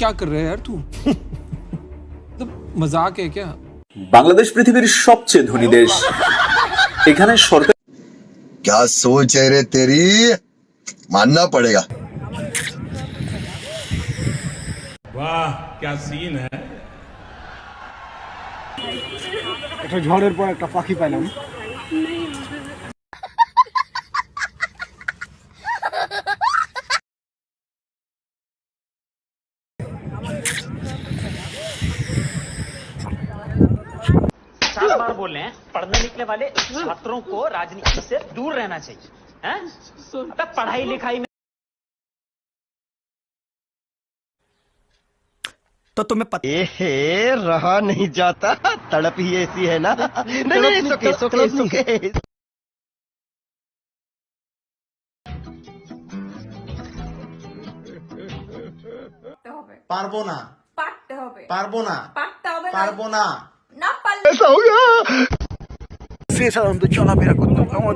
क्या कर रहा है यार तू? मतलब मजाक है क्या? বাংলাদেশ পৃথিবীর সবচেয়ে ধনী দেশ। এখানে সরকার क्या सोच है रे तेरी, मानना पड़ेगा। वाह क्या सीन है। একটা ঝড়ের পর একটা পাখি পাইলাম। चार बार बोल रहे हैं पढ़ने निकले वाले छात्रों को राजनीति से दूर रहना चाहिए हैं? अबे पढ़ाई लिखाई में तो तुम्हें पता रहा नहीं जाता, तड़प ही ऐसी है ना। नहीं, सुके। পারবো না, পারতে হবে, পারবো না, পারতে হবে, পারবো না। না পারলে সে সাধারণত চলাফেরা করতো।